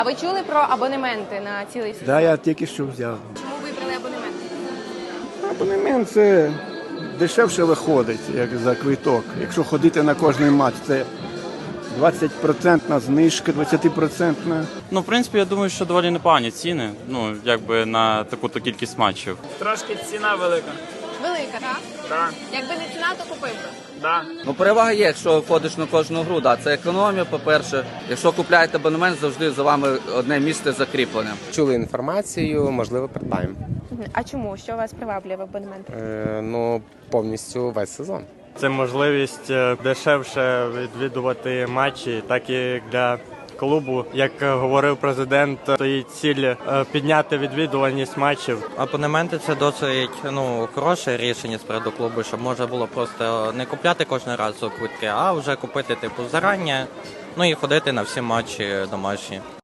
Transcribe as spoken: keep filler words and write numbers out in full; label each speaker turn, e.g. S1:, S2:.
S1: А ви чули про абонементи на цілий сезон?
S2: Да, я тільки що взяв.
S1: Чому вибрали абонемент?
S2: Абонемент це дешевше виходить, як за квиток. Якщо ходити на кожний матч, це двадцять відсотків знижка, двадцять відсотків.
S3: Ну, в принципі, я думаю, що доволі непогані ціни, ну, якби на таку-то кількість матчів.
S4: Трошки ціна велика.
S1: Велика, так?
S4: Так,
S1: Якби не ціна, то купив би.
S4: да.
S5: Ну, перевага є, якщо ходиш на кожну гру, да, це економія, по-перше. Якщо купляєте абонемент, завжди за вами одне місце закріплене.
S6: Чули інформацію, можливо, придбаємо.
S1: А чому? Що вас приваблює в абонементі?
S6: Е, ну, повністю весь сезон.
S7: Це можливість е, дешевше відвідувати матчі, так і для клубу. Як говорив президент, стоїть ціль е, підняти відвідуваність матчів.
S8: Абонементи – це досить ну, хороше рішення спереду клубу, щоб можна було просто не купляти кожен раз квитки, а вже купити типу зарані, ну і ходити на всі матчі домашні.